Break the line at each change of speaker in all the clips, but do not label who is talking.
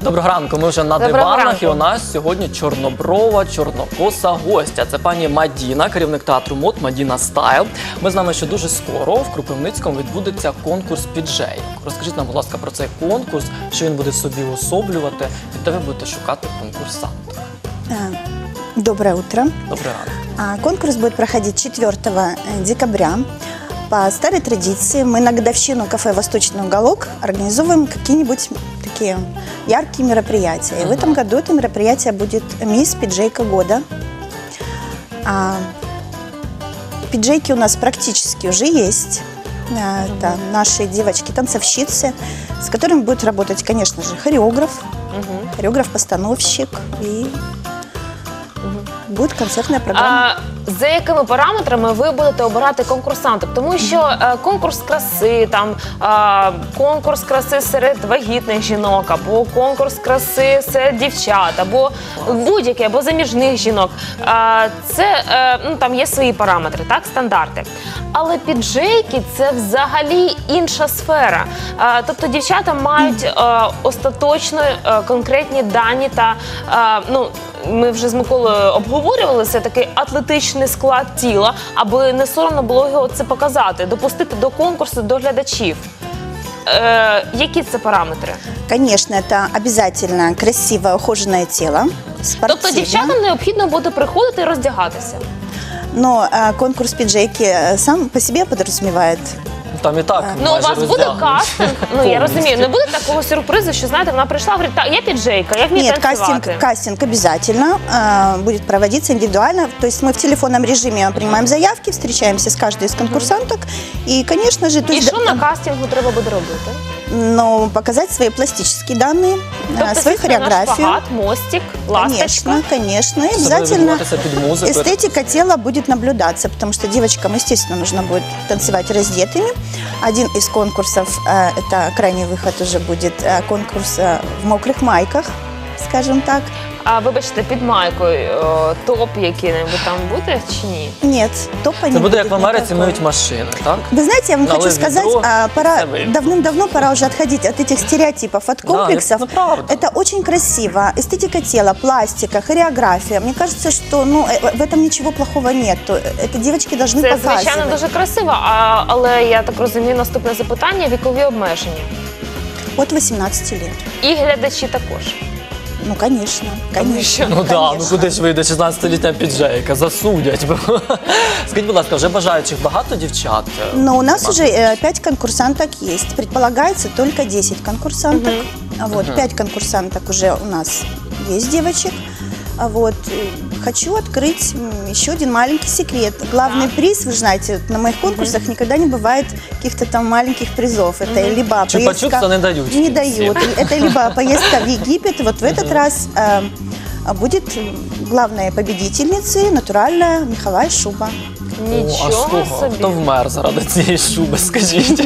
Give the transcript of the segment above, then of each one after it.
Доброго ранку, ми вже на диванах, і у нас сьогодні чорноброва, чорнокоса гостя. Це пані Мадіна, керівник театру мод «Мадіна Стайл». Ми знаємо, що дуже скоро в Кропивницькому відбудеться конкурс піджейок. Розкажіть нам, будь ласка, про цей конкурс, що він буде собі уособлювати, і де ви будете шукати конкурсантів.
Доброе утро.
Добрий ранок.
Конкурс будет проходить 4 декабря. По старой традиции мы на годовщину кафе «Восточный уголок» организовываем какие-нибудь такие яркие мероприятия. И в этом году это мероприятие будет «Мисс Пиджейка года». Пиджейки у нас практически уже есть. Это наши девочки-танцовщицы, с которыми будет работать, конечно же, хореограф, хореограф-постановщик и буде концертна програма.
За якими параметрами ви будете обирати конкурсантів? Тому що конкурс краси, конкурс краси серед вагітних жінок, або конкурс краси серед дівчат, або будь-який, або заміжних жінок. Там є свої параметри, так, стандарти. Але піджейки – це взагалі інша сфера. Тобто дівчата мають остаточно конкретні дані та, ми вже з Миколою обговорювали, це такий атлетичний склад тіла, аби не соромно було його це показати, допустити до конкурсу, до глядачів. Які це параметри?
Конечно, это обязательно красивое, ухоженное тело, спортивное.
Тобто дівчатам необхідно буде приходити і роздягатися?
Но конкурс пиджейки сам по себе подразумевает.
Там і так
Ну, у вас буде кастинг, я розумію, не буде такого сюрпризу, що, знаєте, вона прийшла, говорить, так, я піджейка, я вмію танцювати.
Нет, кастинг обязательно будет проводиться индивидуально. То есть мы в телефонном режиме принимаем заявки, встречаемся с каждой из конкурсанток. И, конечно же...
І що на кастингу треба буде робити?
Ну, показать свои пластические данные, свою хореографию.
Шпагат, мостик, ласточка.
Конечно. И обязательно эстетика тела будет наблюдаться, потому что девочкам, естественно, нужно будет танцевать раздетыми. Один из конкурсов, это крайний выход уже будет конкурс в мокрых майках, скажем так.
А вибачте, під майкою топ який-небудь там буде чи ні?
Нет, топа не будет.
Це буде як в Америці миють машини, так?
Вы знаете, я вам хочу сказать, давным-давно пора уже отходить от этих стереотипов, от комплексов. Это очень красиво. Эстетика тела, пластика, хореография. Мне кажется, что в этом ничего плохого нет. Это девочки должны показывать.
Це, звичайно, дуже красиво, але я так розумію, наступне запитання – вікові обмеження.
От 18 лет.
І глядачі також.
Ну, конечно, конечно.
Ну так, ну куди ж вийде 16-літня піджейка, засудять. Скажіть, будь ласка, вже бажаючих багато дівчат?
Ну, у нас уже 5 конкурсанток есть. Предполагается только 10 конкурсанток. Вот, 5 конкурсанток уже у нас есть девочек. Вот. Хочу открыть еще один маленький секрет. Главный приз, вы же знаете, на моих конкурсах никогда не бывает каких-то там маленьких призов. Это либо
поездка... не дают.
Не дают. Это либо поездка в Египет. Вот в этот раз будет главной победительницей натуральная меховая шуба.
Нічого собі.
Хто вмер заради цієї шуби, скажіть?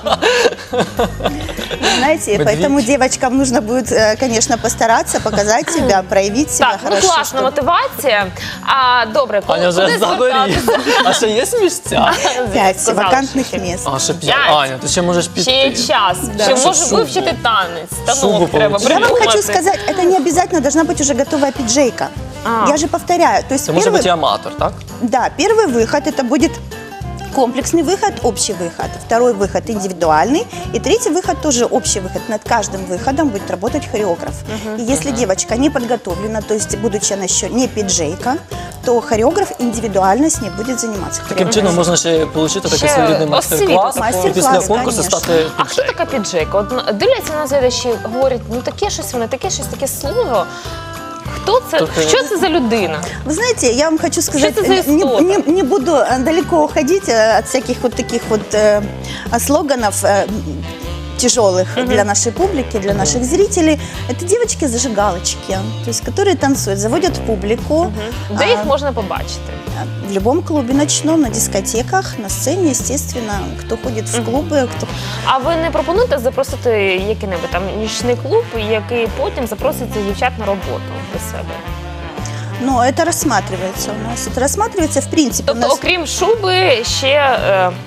Знаете, поэтому девочкам нужно будет, конечно, постараться, показать себя, проявить себя хорошо.
Так, класна мотивація. Добре,
Аня вже заберіть. А ще є місця?
5 вакантних місць.
А, ще 5. Аня, ти ще можеш піти.
Ще є час. Ще можу вивчити танець. Станок треба
Я вам
придумати.
хочу сказать, это не обязательно должна быть уже готовая пиджейка. Я же повторяю. То есть
это может быть и аматор, так?
Да, первый выход это будет комплексный выход, общий выход. Второй выход индивидуальный. И третий выход тоже общий выход. Над каждым выходом будет работать хореограф. И если девочка не подготовлена, то есть будучи она еще не пиджейка, то хореограф индивидуально с ней будет заниматься.
Таким чином можна ще отримати такий своєрідний майстер-клас і після конкурсу стати
А хто така піджейка? От дивляться на глядачі, говорять, ну таке щось воно, таке щось, таке слово. Кто це? Що це за людина?
Вы знаете, я вам хочу сказать, не буду далеко уходить от всяких вот таких вот слоганов тяжелых для нашей публики, для наших зрителей. Это девочки-зажигалочки, то есть, которые танцуют, заводят публику.
Де їх можна побачити?
В любом клубе ночном, на дискотеках, на сцене, естественно, кто ходит в клубы, кто...
А ви не пропонуєте запросити який-небудь там нічний клуб, який потім запросить дівчат на роботу до себе?
Ну, это рассматривается у нас. Это рассматривается в принципе.
Тобто, окрім шуби, ще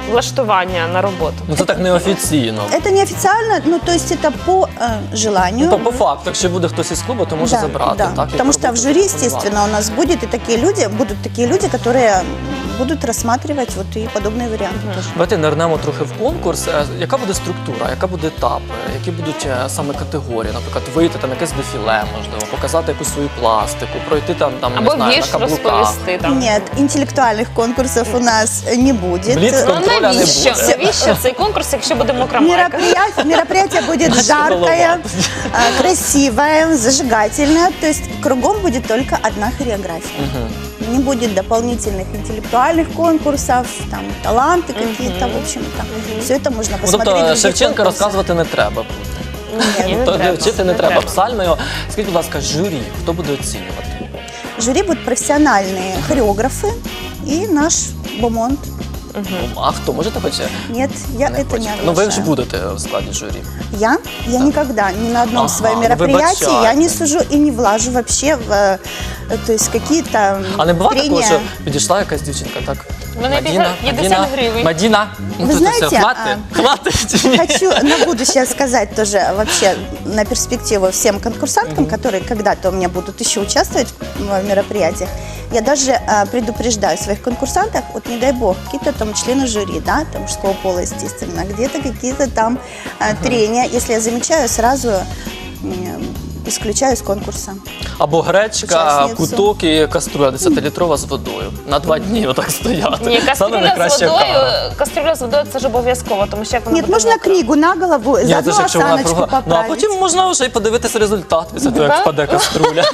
влаштування на роботу?
Ну це так неофіційно.
Это неофициально, ну то есть это по желанию.
Ну, по факту, якщо буде хтось із клубу, то може забрати.
Да.
Так,
Потому что в жюри, естественно, у нас будут такие люди, которые будут рассматривать вот и подобные варианты тоже.
Давайте нирнемо трохи в конкурс. Яка буде структура, яка буде етап, які будуть саме категорії? Наприклад, вийти там якесь дефіле, можливо, показати якусь свою пластику, пройти там не
Або
знаю,
вірш
на каблуках.
розповісти там.
Нет, интеллектуальных конкурсов у нас не будет.
Блиц
Ну
контроля не
навіщо?
буде.
Навіщо цей конкурс, якщо буде мокра майка?
Мероприятие будет жаркое, красивое, зажигательное. То есть кругом будет только одна хореография. Не будет дополнительных интеллектуальных конкурсов, там таланты какие-то, в общем-то. Все это можно
Ну,
посмотреть. в
тобто
других
Шевченка
конкурсах.
розказувати не треба.
Ні, не
То
треба.
вчити не треба. Псальмою. Скажіть, будь ласка, журі, хто буде оцінювати?
Жюри будут профессиональные хореографы и наш бомонд.
А хто? Можете хоч?
Нет, я это не
хочете?
оглашаю.
Ну ви ж будете в складі журі.
Я никогда ни на одном
Ага,
своем мероприятии
выбачайте.
я не сужу и не влажу вообще в то есть какие-то
А не буває такого,
трения.
що підійшла якась дівчинка, так?
У мене 50 гривень.
Мадіна, ну
Ви
тут
знаєте,
все, хватить чи ні?
Хочу на будущее сказать тоже вообще на перспективу всем конкурсанткам, которые когда-то у меня будут еще участвовать в мероприятиях. Я даже предупреждаю своих конкурсантов, вот не дай бог, какие-то там члены жюри, да, там мужского пола, естественно, где-то какие-то там трения. Если я замечаю, сразу исключаю из конкурса.
Або гречка,
Учасницю.
куток і каструля 10-літрова з водою. На 2 дні отак стояти.
Ні,
Саме
кастрюля з
найкраща
водою,
кара.
кастрюля з водою це ж обов'язково, тому що як вона
Нет,
буде
можна
мокра.
книгу на голову,
Ні,
заодно
це ж якщо вона
осаночку
кругла. Ну, а
поправить.
потім можна вже й подивитися результат після того, як
Да?
впаде каструля.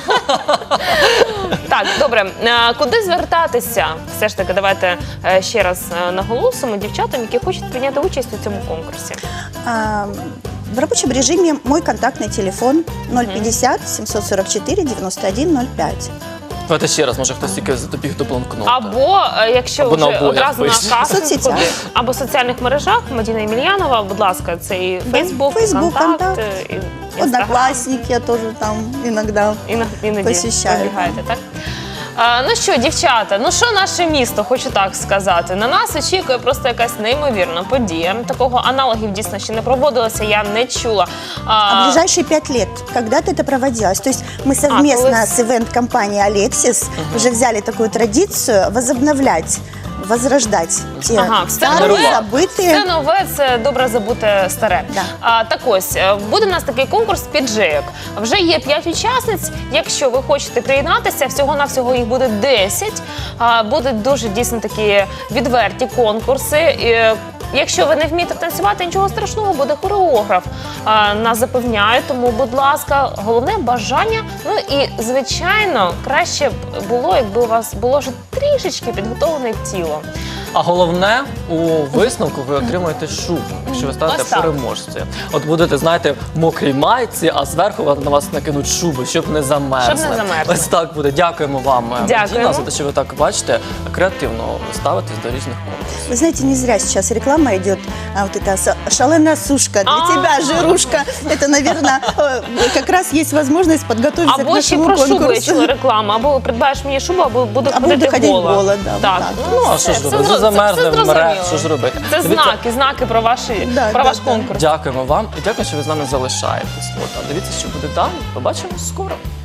Так, добре. Куди звертатися? Все ж таки, давайте ще раз наголосимо дівчатам, які хочуть прийняти участь у цьому конкурсі.
В рабочем режиме мой контактный телефон 050 744 9105.
Давайте ще раз, може хтось тільки добіг до бланкнота.
Або якщо
Або на
вже
обоях
одразу на
пише.
кастинг,
В соцсетях.
або в соціальних мережах Мадіна Ємельянова, будь ласка, це і Фейсбук,
Фейсбук,
Контакт,
Контакт.
і Інстаграм.
Одноклассники я тоже там иногда.
Іноді
Посещаю,
пробігаєте, так? Ну що, дівчата, ну що наше місто, хочу так сказати. На нас очікує просто якась неймовірна подія. Такого аналогів дійсно ще не проводилося, я не чула.
А ближайшие 5 лет когда-то это проводилось. То есть мы совместно
класс.
с ивент-компанией «Алексис» уже взяли такую традицию возобновлять, возрождать те
Ага, все
старые,
нове, все
забытые.
нове, це добре забуте старе.
Да.
Так ось, буде у нас такий конкурс піджейок. Вже є 5 учасниць. Якщо ви хочете приєднатися, всього-навсього їх буде 10. Будуть дуже дійсно такі відверті конкурси. Якщо ви не вмієте танцювати, нічого страшного, буде хореограф. Нас запевняють, тому, будь ласка, головне бажання. Ну і, звичайно, краще б було, якби у вас було вже трішечки підготовлене тіло.
А головне, у висновку ви отримаєте шубу, якщо ви станете
Ось так.
переможцем. От будете, знаєте, в мокрій майці, а зверху на вас накинуть шубу, щоб не замерзли.
Щоб не замерзли.
Ось так буде. Дякуємо вам,
Дякуємо.
Мадіна, за те, що ви так, бачите, креативно ставитесь до різних конкурсів.
Вы знаете, не зря сейчас реклама идет, вот эта шаленая сушка для тебя, жирушка. Это, наверное, как раз есть возможность подготовиться к
Або ще
нашему
про шубу я
конкурсу.
чула рекламу, або придбаєш мені шубу, або буду
Або буду ходити
гола.
гола, да,
Так,
так.
Ну, а що ж робити? Вже замерзли, вмре, що ж робити?
Це
Дивіться,
знаки про
Да,
ваш
да.
конкурс.
Дякуємо вам і дякую, що ви з нами залишаєтесь. От, а дивіться, що буде далі. Побачимо скоро.